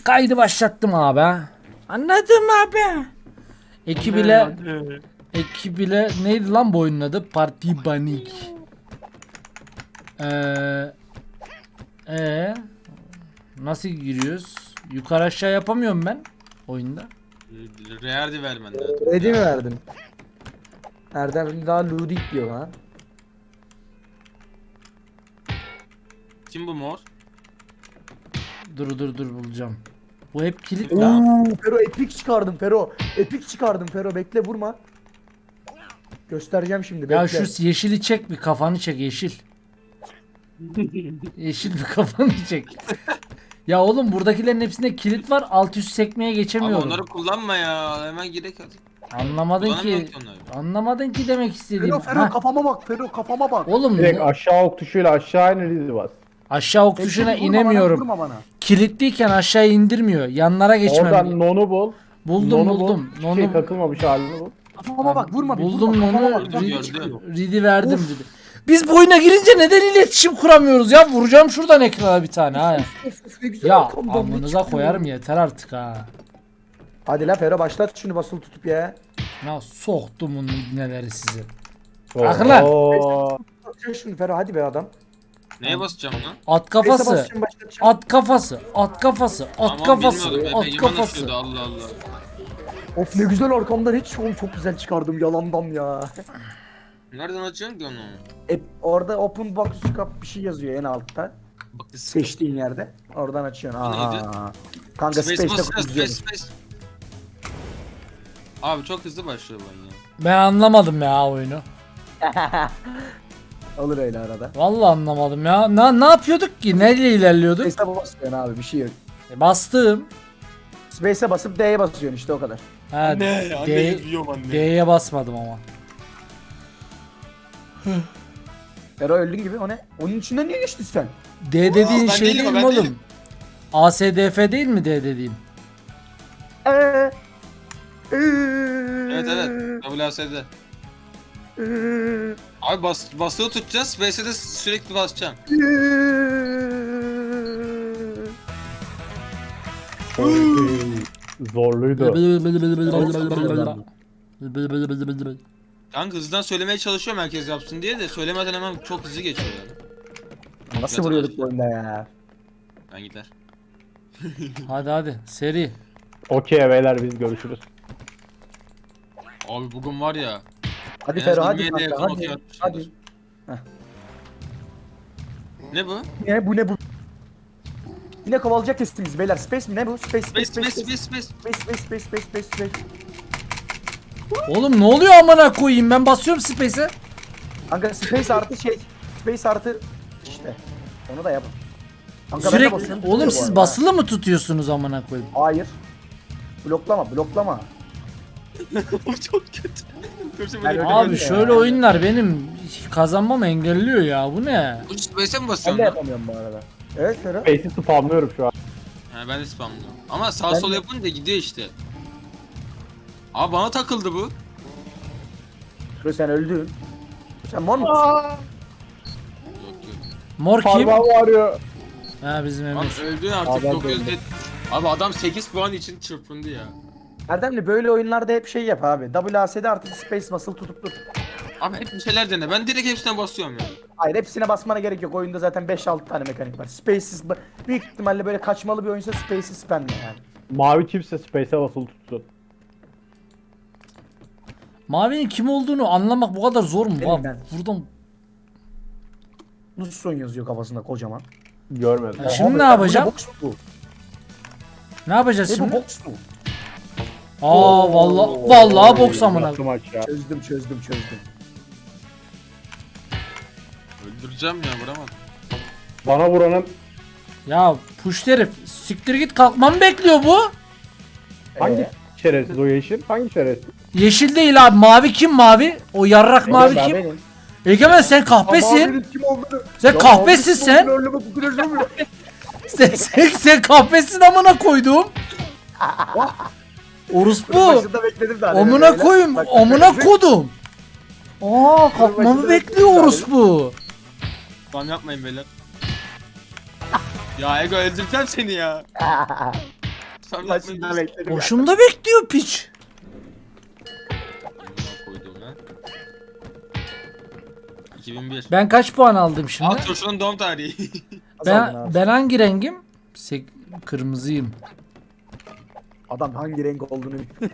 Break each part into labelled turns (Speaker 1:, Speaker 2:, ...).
Speaker 1: Kaydı başlattım abi. Anladım abi. Ekibiyle neydi lan bu oyunun adı? Parti Banik. Ee, nasıl giriyoruz? Yukarı aşağı yapamıyorum ben oyunda.
Speaker 2: Reardi vermen lazım.
Speaker 3: Ready mi verdin? Erdem daha Ludik diyor ha.
Speaker 2: Kim bu mor?
Speaker 1: Dur bulacağım. Bu hep kilit lan.
Speaker 3: Oo, Fero epik çıkardım Fero. Epik çıkardım Fero, bekle vurma. Göstereceğim şimdi, bekle.
Speaker 1: Ya şu yeşili çek, bir kafanı çek yeşil. Yeşil bir kafanı çek. Ya oğlum buradakilerin hepsinde kilit var. Alt üst sekmeye
Speaker 2: Ama
Speaker 1: geçemiyorum.
Speaker 2: onları kullanma ya. Hemen girek hadi.
Speaker 1: Anlamadın
Speaker 2: Kullanamıyorum
Speaker 1: ki.
Speaker 2: ki onları.
Speaker 1: Anlamadın ki demek istediğim.
Speaker 3: Fero
Speaker 1: Ha,
Speaker 3: kafama bak, Fero kafama bak.
Speaker 1: oğlum
Speaker 4: Direkt aşağı ok tuşuyla aşağı in bas.
Speaker 1: aşağı ok
Speaker 3: Bekle,
Speaker 1: tuşuna
Speaker 3: vurma
Speaker 1: inemiyorum.
Speaker 3: Bana, vurma bana.
Speaker 1: Kilitliyken aşağı indirmiyor. Yanlara geçmem.
Speaker 4: Oradan nonu bul.
Speaker 1: Buldum.
Speaker 4: Hiçbir şey takılmamış halini bul.
Speaker 3: Kafama bak, vurma bir,
Speaker 1: Buldum
Speaker 3: vurma, kafama
Speaker 1: onu.
Speaker 3: bak. Canım
Speaker 2: Gördüm.
Speaker 3: çıkıyor.
Speaker 1: Ridi verdim
Speaker 3: Of.
Speaker 1: Ridi. Biz bu oyuna girince neden iletişim kuramıyoruz ya? Vuracağım şuradan ekrana bir tane ha.
Speaker 3: Of, ne güzel
Speaker 1: Ya
Speaker 3: arkamdan ne
Speaker 1: amınıza
Speaker 3: çıkıyor.
Speaker 1: koyarım, yeter artık ha.
Speaker 3: Hadi la Fero, başlat şunu basılı tutup ya.
Speaker 1: Ya soktum bunu neleri sizi.
Speaker 4: Oo.
Speaker 1: Bakın lan.
Speaker 3: Başlat şunu Fero, hadi be adam.
Speaker 2: Neye basacağım lan?
Speaker 1: At
Speaker 3: Neyse,
Speaker 1: kafası.
Speaker 3: basacağım, başlatacağım.
Speaker 1: At kafası. At kafası. At
Speaker 2: Aman
Speaker 1: kafası.
Speaker 2: bilmiyordum.
Speaker 1: At
Speaker 2: Efe yaman
Speaker 1: kafası.
Speaker 2: açıyordu, Allah Allah.
Speaker 3: Of ne güzel arkamdan, hiç oğlum çok güzel çıkardım yalandan ya.
Speaker 2: Nereden açıyorsun ki onu?
Speaker 3: Orada open box scope bir şey yazıyor en altta.
Speaker 2: Bak
Speaker 3: Seçtiğin yerde. Oradan açıyorsun.
Speaker 2: Bu neydi?
Speaker 3: Aha. Kanka
Speaker 2: Space
Speaker 3: Space'te
Speaker 2: basacağız, Space
Speaker 3: kutuyorsun.
Speaker 2: Space. Abi çok hızlı başlıyor bu oyun ya.
Speaker 1: Ben anlamadım ya oyunu.
Speaker 3: Olur öyle arada.
Speaker 1: Vallahi anlamadım ya. Ne yapıyorduk ki? Neyle ilerliyorduk?
Speaker 3: Space'e basıyorsun abi, bir şey yok.
Speaker 1: Bastım.
Speaker 3: Space'e basıp D'ye basıyorsun işte, o kadar.
Speaker 1: Ha, D'ye basmadım ama.
Speaker 3: Fero öldün gibi, o ne? Onun içinden niye geçtin sen?
Speaker 1: D dediğin
Speaker 2: ben
Speaker 1: şey
Speaker 2: değilim,
Speaker 1: değil
Speaker 2: ben
Speaker 1: mi oğlum?
Speaker 2: değilim.
Speaker 1: ASDF değil mi D dediğin?
Speaker 2: Evet WASD. Abi basılı tutacağız, Space'e de sürekli basacağım.
Speaker 4: Zorluydu.
Speaker 2: Kanka hızdan söylemeye çalışıyorum herkes yapsın diye de söylemeden hemen çok hızlı geçiyor yani.
Speaker 3: Nasıl vuruyorduk bu oyunda ya?
Speaker 2: Ben gider.
Speaker 1: Hadi seri.
Speaker 4: Okey beyler, biz görüşürüz.
Speaker 2: Abi bugün var ya.
Speaker 3: Hadi
Speaker 2: En
Speaker 3: Fero,
Speaker 2: az
Speaker 3: hadi
Speaker 2: 27'ye
Speaker 3: kanka,
Speaker 2: yakın
Speaker 3: hadi.
Speaker 2: okey atmışımdır.
Speaker 3: Hadi.
Speaker 2: Ne bu?
Speaker 3: Ne bu? Yine kovalayacak kestiniz beyler. Space mi ne bu? Space.
Speaker 1: Oğlum ne oluyor amına koyayım, ben basıyorum space'e.
Speaker 3: Kanka Space artı şey. Space artı işte. Onu da yap. Kanka ben de
Speaker 1: Sürekli
Speaker 3: basıyorum,
Speaker 1: oğlum
Speaker 3: tutuyor bu
Speaker 1: siz
Speaker 3: arada.
Speaker 1: basılı mı tutuyorsunuz amına koyayım?
Speaker 3: Hayır. Bloklama.
Speaker 2: Çok kötü.
Speaker 3: Ben öyle
Speaker 1: Abi
Speaker 3: ya.
Speaker 1: şöyle oyunlar benim kazanmamı engelliyor ya, bu ne?
Speaker 2: Bu Space'e mi
Speaker 3: Ben
Speaker 2: basıyorsun
Speaker 3: de
Speaker 2: lan?
Speaker 3: yapamıyorum bu arada. Evet Fero.
Speaker 4: Space'i spamlıyorum şu an.
Speaker 2: He ben de spamlıyorum. Ama sağ
Speaker 3: Ben
Speaker 2: sol
Speaker 3: de-
Speaker 2: yapınca gidiyor işte. Abi bana takıldı bu.
Speaker 3: Fero sen öldün. Sen mor musun?
Speaker 2: Yok yok.
Speaker 1: Mor kim?
Speaker 4: Parmağım ağrıyor.
Speaker 1: Ha bizim
Speaker 2: Lan
Speaker 1: Emir.
Speaker 2: öldün artık
Speaker 3: Abi ben
Speaker 2: 900
Speaker 3: de
Speaker 2: net. Abi adam 8 puan için çırpındı ya.
Speaker 3: Erdemli böyle oyunlarda hep şey yap abi. WASD artı Space basılı tutup dur.
Speaker 2: Abi hep bir şeyler dene. Ben direkt hepsine basıyorum ya.
Speaker 3: Hayır, hepsine basmana gerek yok. Oyunda zaten 5-6 tane mekanik var. Space'siz büyük ihtimalle böyle kaçmalı bir oyunsa Space'i spamle yani.
Speaker 4: Mavi kimse Space'e basılı tutsun.
Speaker 1: Mavinin kim olduğunu anlamak bu kadar zor mu?
Speaker 3: Benim
Speaker 1: Bak
Speaker 3: ben.
Speaker 1: buradan.
Speaker 3: Nusson yazıyor kafasında kocaman.
Speaker 4: Görmedim.
Speaker 1: Ya şimdi
Speaker 3: Abi,
Speaker 1: ne yapacağım?
Speaker 3: Bu ne box mu?
Speaker 1: Ne yapacağız
Speaker 3: Ne bu
Speaker 1: şimdi?
Speaker 3: box mu?
Speaker 1: Aa vallahi boks amına.
Speaker 4: Yaptım aşağı.
Speaker 3: Çözdüm.
Speaker 2: Öldüreceğim ya vuramadım.
Speaker 4: Bana vuranın
Speaker 1: Ya push herif, siktir git, kalkmamı bekliyor bu.
Speaker 4: hangi şerefsiz o yeşil? Hangi şerefsiz?
Speaker 1: Yeşil değil abi, mavi kim mavi? O yarrak mavi
Speaker 3: Ben
Speaker 1: kim?
Speaker 3: benim.
Speaker 1: Egemen sen kahpesin.
Speaker 3: Mavinin kim olduğunu...
Speaker 1: Sen
Speaker 3: Ya
Speaker 1: kahpesin
Speaker 3: mavinin
Speaker 1: sen.
Speaker 3: kim olduğunu bu kadar bilmiyorum.
Speaker 1: Sen kahpesin amına koydum. Orospu.
Speaker 3: Başında bekledim daha.
Speaker 1: Amına koyayım, amına kodum. Aa kalkmamı
Speaker 3: başında
Speaker 1: bekliyor
Speaker 3: bekledim
Speaker 1: orospu.
Speaker 2: Spam yapmayın beyler. Ya Ego öldüreceğim seni ya. Tam
Speaker 3: Başından bekledim.
Speaker 1: Boşumda bekliyor piç.
Speaker 2: Koydum lan. 2001.
Speaker 1: Ben kaç puan aldım şimdi?
Speaker 2: Alt turşunun doğum tarihi.
Speaker 1: Ben hangi rengim? Kırmızıyım.
Speaker 3: Adam hangi renk olduğunu bilmiyor.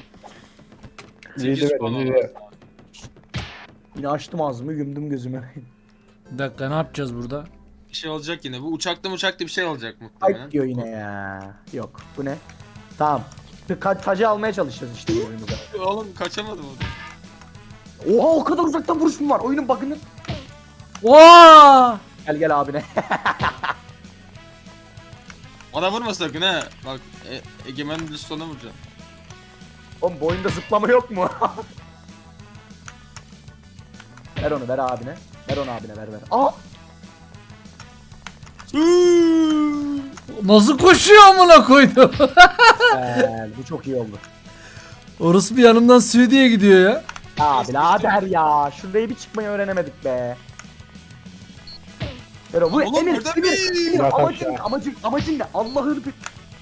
Speaker 2: 8
Speaker 4: Yedi
Speaker 2: puan
Speaker 4: verin,
Speaker 2: aldım.
Speaker 4: yedi.
Speaker 3: Yine açtım ağzımı yumdum gözümü.
Speaker 1: Bir dakika ne yapacağız burada?
Speaker 2: Bir şey olacak yine. Bu uçakta bir şey olacak muhtemelen.
Speaker 3: Ay diyor yine ya. Yok bu ne? Tamam. Tacı almaya çalışacağız işte bu oyunumuza.
Speaker 2: Oğlum kaçamadım orada.
Speaker 3: Oha o kadar uzaktan vuruş mu var? Oyunun bug'ını.
Speaker 1: Oo!
Speaker 3: Gel abine.
Speaker 2: Bana vurma sakın ha. Bak Egemen'in düz sona vuracağım.
Speaker 3: Oğlum bu oyunda zıplama yok mu? Ver onu ver abine. Ver onu abine ver. Aa!
Speaker 1: Nasıl koşuyor amına koydum?
Speaker 3: Bu çok iyi oldu.
Speaker 1: Orası bir yanımdan Suudi'ye gidiyor ya.
Speaker 3: Ya birader ya. Şurayı bir çıkmayı öğrenemedik be. Ver o. Bu
Speaker 2: Oğlum,
Speaker 3: Emir,
Speaker 2: burada
Speaker 3: Emir,
Speaker 2: bir-
Speaker 3: Emir,
Speaker 4: Bırak
Speaker 3: amacın,
Speaker 4: aşağı.
Speaker 3: amacın ne? Allah'ını bir...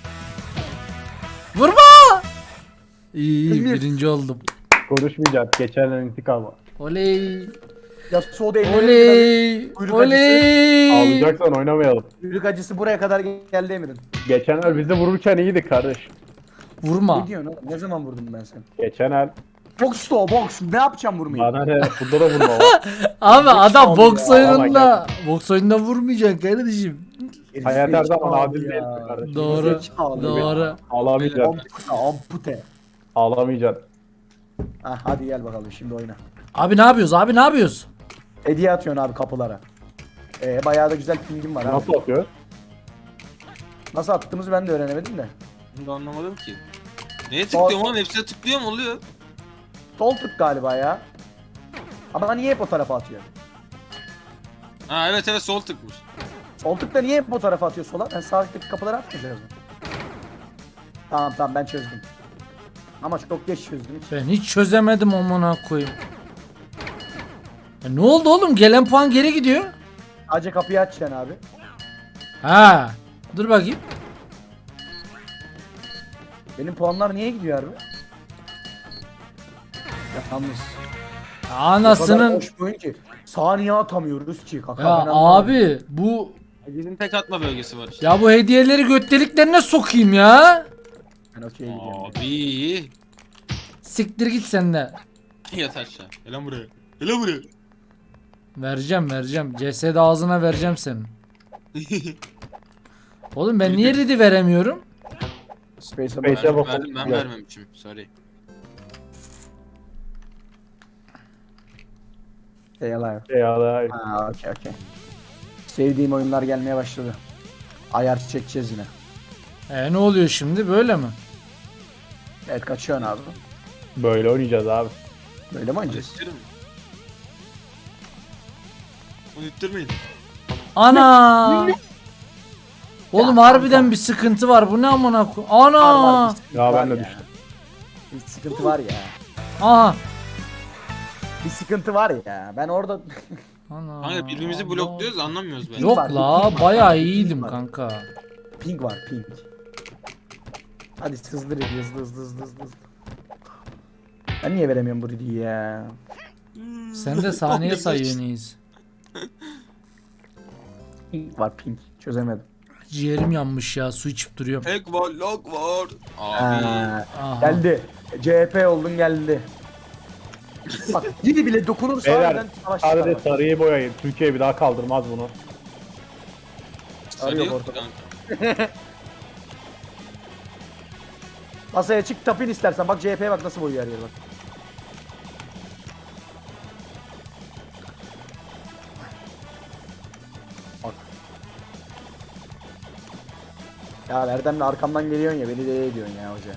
Speaker 1: Vurma! İyi
Speaker 3: Emir.
Speaker 1: birinci oldum.
Speaker 4: Konuşmayacağız. Geçenlerin intikamı.
Speaker 1: Oley!
Speaker 3: Ya soda elleri
Speaker 1: Oley!
Speaker 3: Kuyruk
Speaker 1: Oley!
Speaker 4: Ağlayacaksan oynamayalım.
Speaker 3: Yürük acısı buraya kadar geldi Emir'in.
Speaker 4: Geçen el bizi vururken iyiydi kardeş.
Speaker 1: Vurma.
Speaker 3: Ne diyorsun oğlum? Ne zaman vurdum ben seni?
Speaker 4: Geçen el
Speaker 3: Box to box. Ne yapacağım vurmayı?
Speaker 4: bana ne? Bunda da vurma var.
Speaker 1: Abi adam
Speaker 3: oldu
Speaker 1: boks
Speaker 3: ya.
Speaker 1: oyununda boks oyununda vurmayacaksın kardeşim.
Speaker 4: Hayat her zaman
Speaker 3: Zekalı
Speaker 4: adil
Speaker 3: ya.
Speaker 4: değil kardeşim.
Speaker 1: Doğru.
Speaker 3: Zekalı.
Speaker 1: Doğru.
Speaker 4: Ağlamayacaksın.
Speaker 3: Ampute.
Speaker 4: Ağlamayacaksın.
Speaker 3: Ah hadi gel bakalım şimdi oyna.
Speaker 1: Abi ne yapıyoruz? Abi ne yapıyoruz?
Speaker 3: Hediye atıyorsun abi kapılara. Bayağı da güzel pingim var abi.
Speaker 4: Nasıl atıyor?
Speaker 3: Nasıl attığımızı ben de öğrenemedim de.
Speaker 2: Bunu da anlamadım ki. Neye tıklıyorum oğlum? Hepsine tıklıyorum oluyor.
Speaker 3: Sol tık galiba ya. Ama niye hep o tarafa atıyor?
Speaker 2: Ha evet sol tıkmış.
Speaker 3: Sol tık da niye hep o tarafa atıyor sola? Ben sağ tıktaki kapıları atmayacağız mı? Tamam ben çözdüm. Ama çok geç çözdüm hiç.
Speaker 1: Ben hiç çözemedim amına koyayım. Ne oldu oğlum? Gelen puan geri gidiyor.
Speaker 3: Sadece kapıyı açacaksın abi.
Speaker 1: Ha. Dur bakayım.
Speaker 3: Benim puanlar niye gidiyor abi? Yalnız. O kadar
Speaker 1: Anasının.
Speaker 3: boş bir oyun ki. Saniye atamıyoruz ki kaka.
Speaker 1: Ya
Speaker 3: ben anlamadım.
Speaker 1: abi bu
Speaker 2: Bizim tek atma bölgesi var işte.
Speaker 1: ya bu hediyeleri göt deliklerine sokayım ya.
Speaker 3: Ben okey gidiyorum.
Speaker 2: Abi.
Speaker 1: Siktir git sen de.
Speaker 2: Yat aşağı. Gel lan buraya. Gel lan buraya.
Speaker 1: Vereceğim. Cesedi ağzına vereceğim senin. Oğlum ben niye ready veremiyorum?
Speaker 3: Space'e
Speaker 4: Space'e
Speaker 3: bak.
Speaker 4: bak.
Speaker 2: Verdim ben
Speaker 4: Yok.
Speaker 2: vermemişim. Sorry.
Speaker 3: Yalan.
Speaker 4: Ya da
Speaker 3: Ha okey. Sevdiğim oyunlar gelmeye başladı. Ayar çekeceğiz yine.
Speaker 1: Ne oluyor şimdi böyle mi?
Speaker 3: Evet kaçıyorsun abi.
Speaker 4: böyle oynayacağız abi.
Speaker 3: Böyle mi oynayacağız?
Speaker 2: İttirin mi? Onu ittirmeyin.
Speaker 1: Ana! Oğlum
Speaker 3: Ya
Speaker 1: harbiden
Speaker 3: kanka.
Speaker 1: bir sıkıntı var. Bu ne amına koy?
Speaker 3: Var,
Speaker 1: Ana!
Speaker 3: bir sıkıntı
Speaker 4: Ya
Speaker 3: var
Speaker 4: ben de düştüm.
Speaker 3: Bir sıkıntı var ya.
Speaker 1: Aha!
Speaker 3: Bir sıkıntı var ya. Ben orada
Speaker 1: Ana!
Speaker 2: Kanka birbirimizi blokluyoruz anlamıyoruz ben.
Speaker 1: Yok
Speaker 3: var,
Speaker 1: la
Speaker 3: ping var,
Speaker 1: bayağı
Speaker 3: ping
Speaker 1: iyiydim
Speaker 3: var.
Speaker 1: kanka.
Speaker 3: ping var ping. Hadi hızlı ready, hızlı. Ben niye veremiyorum bu ready'yi ya?
Speaker 1: Sen de saniye sayıyorsun iyiyiz.
Speaker 3: Ping var ping. Çözemedim.
Speaker 1: Ciğerim yanmış ya su içip duruyorum.
Speaker 2: Hack var, lock var. Abi.
Speaker 3: Ha,
Speaker 1: Aha.
Speaker 3: geldi. CHP oldun geldi. Bak biri bile dokunursa
Speaker 4: Beyler
Speaker 3: harbiden savaş çıkar
Speaker 4: sadece
Speaker 3: bak.
Speaker 4: sarıyı boyayın. Türkiye bir daha kaldırmaz bunu.
Speaker 2: Sarı
Speaker 3: Arıyor
Speaker 2: yok
Speaker 3: ortada.
Speaker 2: kanka.
Speaker 3: Masaya çık tapin istersen. Bak CHP'ye bak nasıl boyuyor her yer bak. Bak. Ya Erdem'le arkamdan geliyorsun ya beni de ediyorsun ya hoca.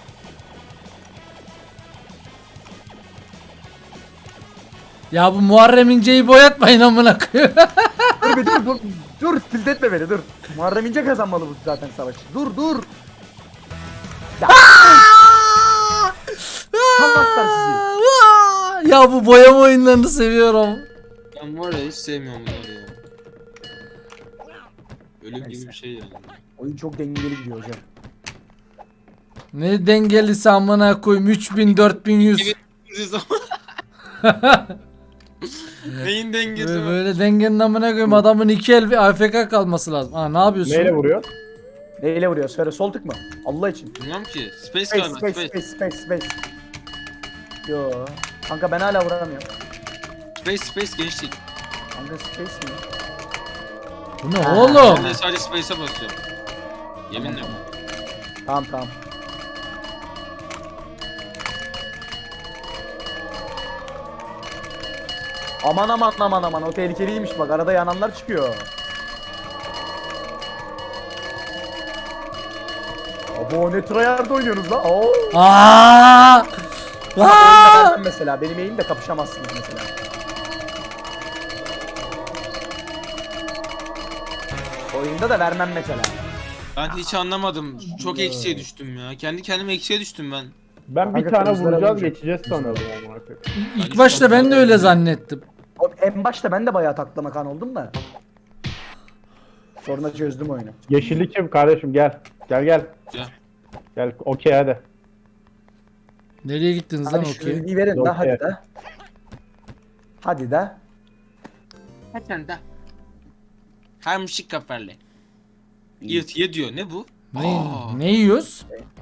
Speaker 1: Ya bu Muharrem İnce'yi boyatmayın amına koyayım.
Speaker 3: Dur bir dur tilt etme beni dur. Muharrem İnce kazanmalı bu zaten savaşı. Dur. Ya. Salaklar sizi.
Speaker 1: Ya bu boyama oyunlarını seviyorum.
Speaker 2: Ben var ya hiç sevmiyorum bunları ya. Ölüm gibi
Speaker 3: Neyse.
Speaker 2: bir şey yani.
Speaker 3: Oyun çok dengeli gidiyor hocam.
Speaker 1: Ne dengelisi amına koyayım 3000 4100.
Speaker 2: Neyin dengesi var?
Speaker 1: Böyle dengenin amına koyayım adamın 2 el bir AFK kalması lazım. Ha ne yapıyorsun?
Speaker 4: Neyle vuruyor?
Speaker 3: Neyle vuruyor? Söyle sol tık mı? Allah için.
Speaker 2: Bilmem ki. Space
Speaker 3: Space
Speaker 2: galiba.
Speaker 3: space
Speaker 2: Space.
Speaker 3: space space space. Yo. Kanka ben hala vuramıyorum.
Speaker 2: Space gençlik.
Speaker 3: Kanka space mi?
Speaker 1: Bu ne oğlum?
Speaker 2: Ben de sadece space'e basıyorum. Yeminle.
Speaker 3: Tamam tamam. Aman aman aman aman o tehlikeliymiş bak arada yananlar çıkıyor. Abo ne tryhard oynuyorsunuz lan? Oo.
Speaker 1: Aa!
Speaker 3: Ama
Speaker 1: Aa!
Speaker 3: oyunda vermem mesela benim eğimle kapışamazsınız mesela. Oyunda da vermem mesela.
Speaker 2: Ben hiç anlamadım. Çok eksiye düştüm ya. Kendi kendime eksiye düştüm ben.
Speaker 4: Ben bir
Speaker 3: Kanka
Speaker 4: tane
Speaker 3: kırmızılara
Speaker 4: vuracağız
Speaker 3: vuracağım.
Speaker 4: geçeceğiz sanıyordum amına koyayım.
Speaker 1: İlk başta ben de öyle zannettim.
Speaker 3: En başta ben de bayağı taklama kan oldum da. Sonra çözdüm oyunu.
Speaker 4: Yeşilli kim kardeşim gel. Gel gel.
Speaker 2: Gel.
Speaker 4: Gel okey hadi.
Speaker 1: Nereye gittiniz lan
Speaker 3: Hadi şu
Speaker 1: okey?
Speaker 3: bilgiyi verin de hadi
Speaker 4: Okey.
Speaker 3: de. Hadi de.
Speaker 2: Hadi de. Her müşrik kaferle. Ye diyor. Ne bu?
Speaker 1: Ne,
Speaker 2: Aa.
Speaker 1: ne yiyoruz?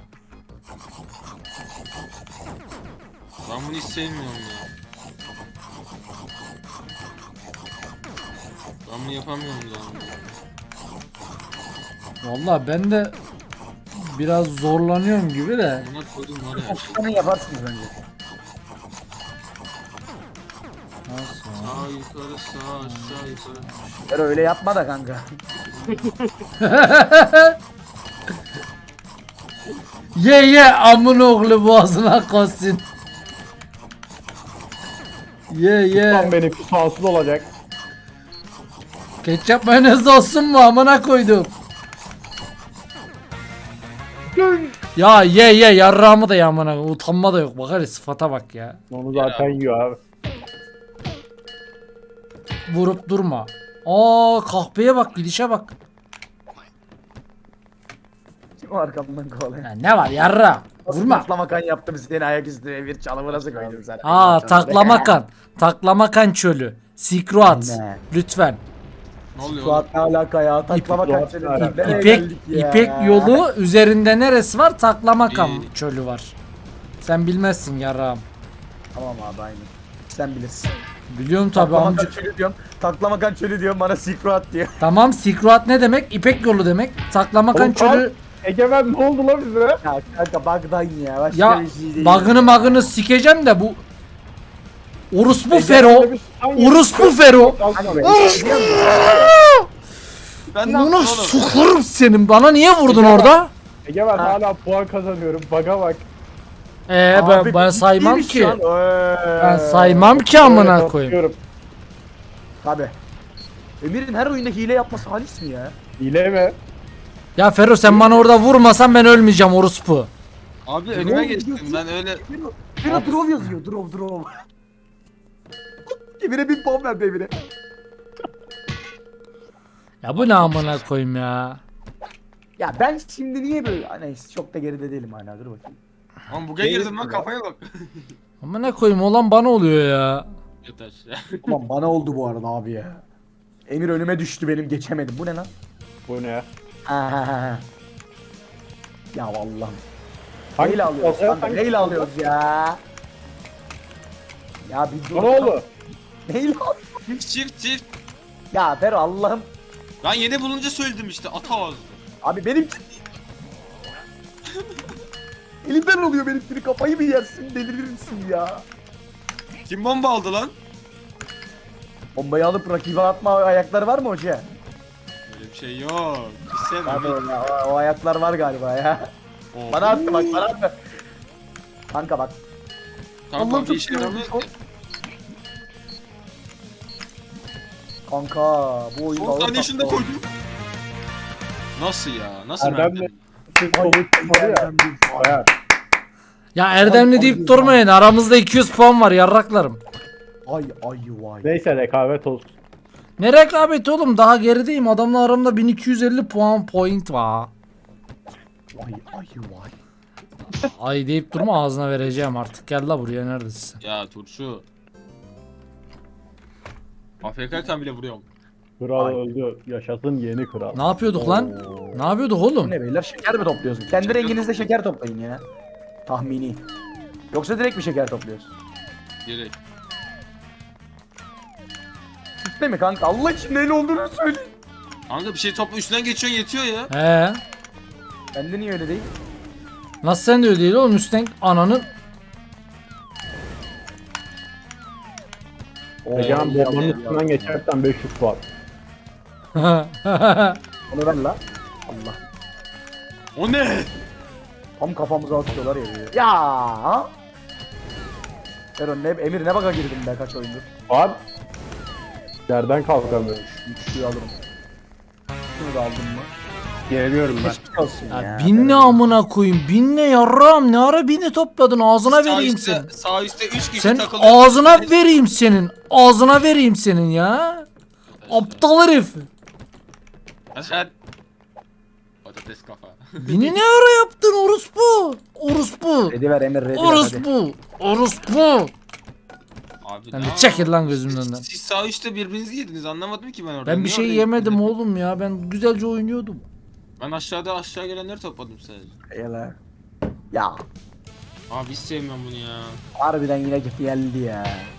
Speaker 2: Ben bunu hiç sevmiyorum ya. Ben bunu yapamıyorum ya.
Speaker 1: Vallahi ben de biraz zorlanıyorum gibi de.
Speaker 2: Buna koydum var ya.
Speaker 3: Oksijenin yaparsınız bence.
Speaker 1: Nasıl?
Speaker 2: Sağ yukarı sağ aşağı yukarı.
Speaker 3: Pero öyle yapma da kanka.
Speaker 1: Ye amın oğlu boğazına koysun. Ye.
Speaker 4: Tam benim sağsız olacak.
Speaker 1: Ketçap mayonez olsun mu amına koydum. Ya ye yarrağımı da ye amına utanma da yok bak hele sıfata bak ya.
Speaker 4: Onu zaten yiyor abi.
Speaker 1: Vurup durma. Aa kahpeye bak gidişe bak.
Speaker 3: Kim o arkamdan kovalıyor?
Speaker 1: Ya ne var yarra vurma.
Speaker 3: Taklama kan yaptım seni ayaküstü bir çalımı nasıl koydum sana?
Speaker 1: Aa taklamakan. Taklamakan çölü. Sikruat.
Speaker 3: Ne?
Speaker 1: Lütfen.
Speaker 2: Ne oluyor? oğlum?
Speaker 3: Suat ne alaka ya? Taklama kan
Speaker 4: İpek-
Speaker 3: seni.
Speaker 4: İpek-
Speaker 3: Nereye
Speaker 1: İpek
Speaker 3: geldik ya?
Speaker 1: İpek yolu üzerinde neresi var? Taklamakan
Speaker 2: İyi.
Speaker 1: çölü var. Sen bilmezsin yarrağım.
Speaker 3: Tamam abi aynı. Sen bilirsin.
Speaker 1: Biliyorum tabi
Speaker 3: Taklama
Speaker 1: amca.
Speaker 3: kan çölü diyorum. Taklama kan çölü diyorum bana Sikruat diyor.
Speaker 1: Tamam Sikruat ne demek? İpek yolu demek. Taklamakan
Speaker 4: Oğlum,
Speaker 1: çölü.
Speaker 4: Egemen ne oldu lan bize?
Speaker 3: Ya kanka bug'dan ya. Başka
Speaker 1: Ya
Speaker 3: bir şey değil.
Speaker 1: magını sikeceğim de bu. Orospu
Speaker 4: Egemen'le
Speaker 1: Fero.
Speaker 4: biz hangi-
Speaker 1: Orospu Fero.
Speaker 3: Kanka be.
Speaker 2: Ben ne yaptım
Speaker 1: Bunu
Speaker 2: oğlum?
Speaker 1: sokarım senin. Bana niye vurdun orada?
Speaker 4: Egemen
Speaker 3: Ha.
Speaker 4: hala puan kazanıyorum. Baga bak.
Speaker 3: Abi,
Speaker 1: Ben saymam
Speaker 3: iyiymiş
Speaker 1: ki.
Speaker 3: şu an.
Speaker 1: Ben saymam ki amına
Speaker 4: Öyle
Speaker 1: koyayım.
Speaker 4: bakıyorum.
Speaker 3: Tabi. Emir'in her oyunda hile yapması halis mi ya?
Speaker 4: Hile mi?
Speaker 1: Ya Fero sen bana orada vurmasan ben ölmeyeceğim orospu.
Speaker 2: Abi
Speaker 3: Ne
Speaker 2: önüme
Speaker 3: oldu?
Speaker 2: geçtim ben öyle.
Speaker 3: Bira drop yazıyor. Drop. Emir'e 1000 puan verdi Emir'e.
Speaker 1: Ya bu ne amına koyayım ya.
Speaker 3: Ya ben şimdi niye böyle... Ha, neyse çok da geride değilim hala dur bakayım.
Speaker 2: Ama buga girdim lan kafaya bak.
Speaker 1: Amına koyayım olan bana oluyor ya.
Speaker 2: Yeter ya.
Speaker 3: Ulan bana oldu bu arada abi ya. Emir önüme düştü benim geçemedim. Bu ne lan?
Speaker 4: Bu ne?
Speaker 3: Ha. Ya vallahi.
Speaker 4: Hangi
Speaker 3: Neyle alıyoruz
Speaker 4: futbol?
Speaker 3: kanka? Neyle alıyoruz ya? Ya bir dur.
Speaker 4: Ne oldu?
Speaker 3: Neyle alıyoruz?
Speaker 2: Çift.
Speaker 3: Ya Fero Allah'ım.
Speaker 2: Ben yeni bulunca söyledim işte ata ağzı.
Speaker 3: Abi benim... Elimden oluyor benimkini kafayı mı yersin delirirsin ya.
Speaker 2: Kim bomba aldı lan?
Speaker 3: Bombayı alıp rakibe atma ayakları var mı hoca?
Speaker 2: Öyle bir şey yok. Hissem
Speaker 3: Abi o ayaklar var galiba ya.
Speaker 2: Oo.
Speaker 3: Bana attı bak bana attı. Kanka bak.
Speaker 2: Tamam
Speaker 3: Allah'ım
Speaker 2: bir
Speaker 3: çok
Speaker 2: işe
Speaker 3: sinirlendim
Speaker 2: yaramıyor.
Speaker 3: şu an. Kanka bu oyunda
Speaker 2: Son
Speaker 3: ağır
Speaker 2: saniye şunu da
Speaker 3: tatlı oldu.
Speaker 2: koydum. Nasıl ya? Nasıl
Speaker 4: Erdem
Speaker 2: verdi?
Speaker 4: de- Siz kolu tutmadı ya.
Speaker 3: Erdem değil.
Speaker 4: Bayağı.
Speaker 1: Ya Erdemli deyip durmayın aramızda 200 puan var yarraklarım.
Speaker 3: Ay vay.
Speaker 4: Neyse rekabet olsun.
Speaker 1: Ne rekabeti oğlum daha gerideyim adamla aramda 1250 puan point var.
Speaker 3: Vay.
Speaker 1: Ay deyip durma, ağzına vereceğim artık. Gel la buraya, neredesin sen?
Speaker 2: Ya turşu. AFK'yken bile vuruyorum.
Speaker 4: Kral
Speaker 3: Ay.
Speaker 4: öldü. Yaşasın yeni kral.
Speaker 1: Ne yapıyorduk lan? Ne yapıyorduk
Speaker 3: Bu
Speaker 1: oğlum?
Speaker 3: ne beyler, şeker mi topluyorsun? Kendi renginizde şeker toplayın ya. Tahmini. Yoksa direkt mi şeker topluyorsun?
Speaker 2: Geri.
Speaker 3: Değil mi kanka? Allah için neyle olduğunu söyle.
Speaker 2: Kanka bir şey topla üstünden geçiyorsun yetiyor ya.
Speaker 1: He.
Speaker 3: Bende niye öyle değil?
Speaker 1: Nasıl sen de öyle değil oğlum, üstten ananın.
Speaker 4: Egemen
Speaker 3: iyi
Speaker 4: bombanın
Speaker 3: Allah,
Speaker 4: üstünden
Speaker 3: iyi
Speaker 4: geçersen 500 var.
Speaker 3: Allah. Onu ver la. Allah.
Speaker 2: O ne?
Speaker 3: Tam kafamıza atıyorlar ya. Ya. Eren ne, Emir ne baka girdin be kaç oyundur.
Speaker 4: Var. Yerden kalkamıyorum.
Speaker 3: Üçlüyü alırım. Şunu da aldım mı?
Speaker 4: Geliyorum ben.
Speaker 3: Geçmiş olsun ya.
Speaker 1: Ya bin ne amına koyayım, bin ne yarram, ne ara bini topladın, ağzına vereyim senin.
Speaker 2: Sağ üstte 3 kişi
Speaker 1: Sen
Speaker 2: takılıyor.
Speaker 1: ağzına vereyim senin, ağzına vereyim senin ya. Aptal herif.
Speaker 2: Aşağı. Patates kafa.
Speaker 1: Bini ne ara yaptın orospu? Orospu.
Speaker 3: Redi ver Emir, redi ver hadi.
Speaker 1: Orospu. Orospu.
Speaker 2: Abi
Speaker 1: Sen
Speaker 2: ne
Speaker 1: de
Speaker 2: ya?
Speaker 1: çekil lan gözümün önünden.
Speaker 2: Siz sağ üstte birbirinizi yediniz, anlamadım ki ben orada.
Speaker 1: Ben bir
Speaker 2: Niye
Speaker 1: şey
Speaker 2: oraya
Speaker 1: yemedim
Speaker 2: gittiniz?
Speaker 1: oğlum ya. Ben güzelce oynuyordum.
Speaker 2: Ben aşağı gelenleri topladım sadece.
Speaker 3: Eyvallah. Ya.
Speaker 2: Abi hiç sevmiyorum bunu ya.
Speaker 3: Harbiden yine geldi ya.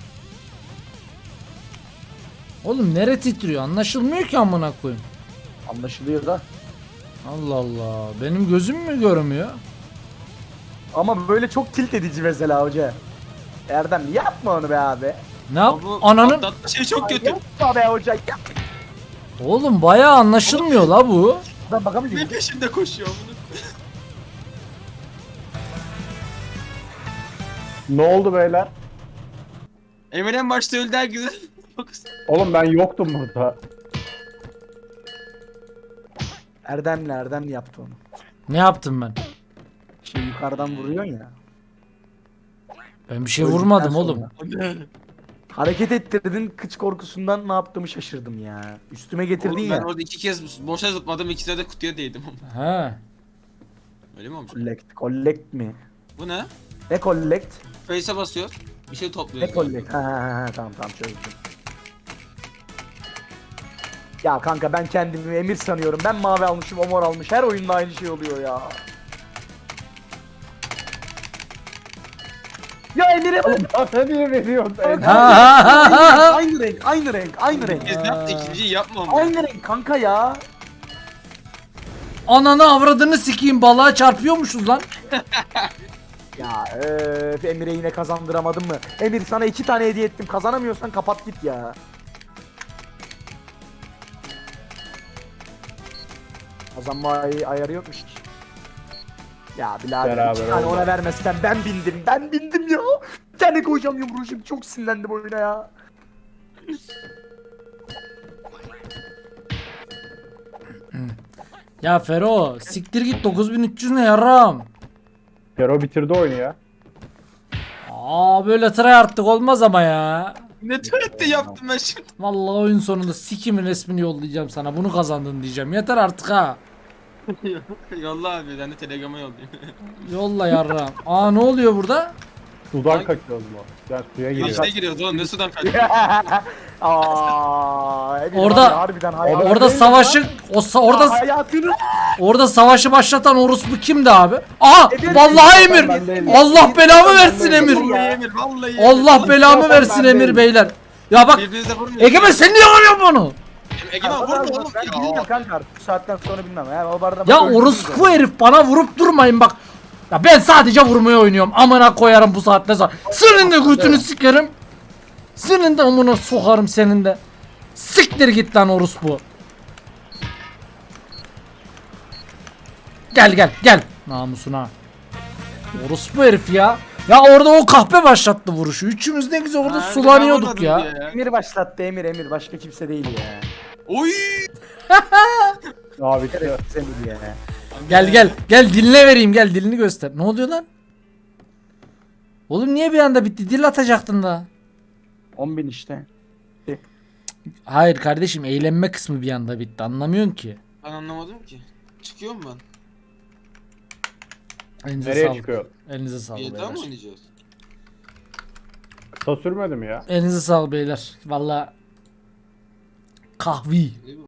Speaker 1: Oğlum nere titriyor? Anlaşılmıyor ki amına koyayım.
Speaker 3: Anlaşılıyor da.
Speaker 1: Allah Allah. Benim gözüm mü görmüyor?
Speaker 3: Ama böyle çok tilt edici mesela hoca. Erdem yapma onu be abi.
Speaker 1: Ne yap?
Speaker 2: Bu
Speaker 1: Ananın.
Speaker 2: atlatma şey çok kötü.
Speaker 3: Yapma be hoca. Yap.
Speaker 1: Oğlum bayağı anlaşılmıyor la bu.
Speaker 3: Ben bakamayacağım.
Speaker 2: Ne peşinde koşuyor bunu?
Speaker 4: Ne oldu beyler?
Speaker 2: Emir en başta öldü herkese.
Speaker 4: Oğlum ben yoktum burada.
Speaker 3: Erdem'le yaptı onu.
Speaker 1: Ne yaptım ben?
Speaker 3: Şey yukarıdan vuruyorsun ya.
Speaker 1: Ben bir şey
Speaker 3: Öldükten
Speaker 1: vurmadım
Speaker 3: sonra.
Speaker 1: oğlum.
Speaker 3: Hareket ettirdin, kıç korkusundan ne yaptığımı şaşırdım ya. Üstüme getirdin
Speaker 2: Oğlum
Speaker 3: ya.
Speaker 2: ben orada 2 kez boşa zıpladım, ikisine de kutuya değdim.
Speaker 1: He.
Speaker 2: Öyle mi olmuş?
Speaker 3: Collect mi?
Speaker 2: Bu ne?
Speaker 3: Ne collect?
Speaker 2: Face'e basıyor. Bir şey topluyor.
Speaker 3: Ne collect? Ha, tamam çözdüm. Ya kanka ben kendimi Emir sanıyorum. Ben mavi almışım, o mor almış. Her oyunda aynı şey oluyor ya. Ya Emir'e bak.
Speaker 4: Bana niye veriyorsun?
Speaker 1: Ha ha ha ha ha.
Speaker 3: Aynı renk, aynı renk, aynı renk.
Speaker 2: Biz ne yaptı? İkinciyi yapma ama.
Speaker 3: Aynı renk kanka ya.
Speaker 1: Ananı avradını sikeyim, balığa çarpıyormuşuz lan.
Speaker 3: Ya Emir'e yine kazandıramadım mı? Emir sana 2 tane hediye ettim. Kazanamıyorsan kapat git ya. Kazanma ayarı yokmuş ki. Ya birader
Speaker 4: Beraber
Speaker 3: 2 tane
Speaker 4: oldu.
Speaker 3: ona vermezsen ben bindim. Ben bindim ya. Bir tane koyacağım yumruğu şimdi. Çok sinirlendim oyuna ya.
Speaker 1: Ya Fero siktir git, 9300 ne yarram.
Speaker 4: Kero bitirdi oyunu ya.
Speaker 1: Aa böyle tryhardlık olmaz ama ya.
Speaker 2: Ne tuvalette yaptım ben şimdi.
Speaker 1: Vallahi oyun sonunda sikimin resmini yollayacağım sana. Bunu kazandın diyeceğim. Yeter artık ha.
Speaker 2: Yolla abi, ben de Telegram'a yollayayım.
Speaker 1: Yolla yarram. Aa ne oluyor burada?
Speaker 4: Sudan kaçıyoruz mu? Ben suya
Speaker 2: İçine
Speaker 4: giriyorum.
Speaker 2: giriyoruz oğlum, ne sudan kaçıyor.
Speaker 3: Aa, Emir
Speaker 1: Orada-
Speaker 3: var ya, harbiden hayatını-
Speaker 1: Orada savaşı orada
Speaker 3: hayatını
Speaker 1: orada savaşı başlatan orospu kimdi abi? Aa
Speaker 3: Emir,
Speaker 1: vallahi
Speaker 3: Emir,
Speaker 1: Emir.
Speaker 3: ben değilim.
Speaker 1: Allah belamı
Speaker 3: Ben
Speaker 1: versin
Speaker 3: değilim.
Speaker 1: Emir.
Speaker 2: Vallahi Emir, vallahi Emir.
Speaker 1: Allah belamı
Speaker 3: Ben
Speaker 1: versin
Speaker 3: değilim.
Speaker 1: Emir beyler. Ya bak
Speaker 2: Birbirinize vurmuyor.
Speaker 1: Egemen sen niye arıyorsun bunu?
Speaker 2: Egemen vurma oğlum.
Speaker 3: Ben bilmiyorum kanka artık. Bu saatten sonra bilmem. Ya, o barda
Speaker 1: Ya orospu herif, bana vurup durmayın bak. Ya ben sadece vurmaya oynuyorum. Amına koyarım bu saatte sonra. Senin de götünü sikerim. Senin de amına sokarım senin de. Siktir git lan orospu. Gel. Namusuna. Orospu herif ya. Ya orada o kahpe başlattı vuruşu. Üçümüz ne güzel orada
Speaker 2: Ha,
Speaker 1: sulanıyorduk
Speaker 2: ben
Speaker 1: ya.
Speaker 2: anlamadım diye
Speaker 3: Emir başlattı Emir. Başka kimse değil ya.
Speaker 2: Oy.
Speaker 4: Abi bitti.
Speaker 3: Evet Emir ya.
Speaker 1: Gel diline vereyim, gel dilini göster. Ne oluyor lan? Oğlum niye bir anda bitti? Dil atacaktın da.
Speaker 3: 10.000 işte.
Speaker 1: Hayır kardeşim, eğlenme kısmı bir anda bitti. Anlamıyorsun ki.
Speaker 2: Ben anlamadım ki. Çıkıyor mu ben?
Speaker 1: Elinize
Speaker 4: Nereye
Speaker 1: sağlık.
Speaker 4: çıkıyor?
Speaker 1: Elinize sağlık
Speaker 2: GTA mı
Speaker 1: beyler.
Speaker 2: oynayacağız?
Speaker 4: Kısa sürmedi mi ya?
Speaker 1: Elinize sağlık beyler. Valla kahvi.
Speaker 2: Değil mi?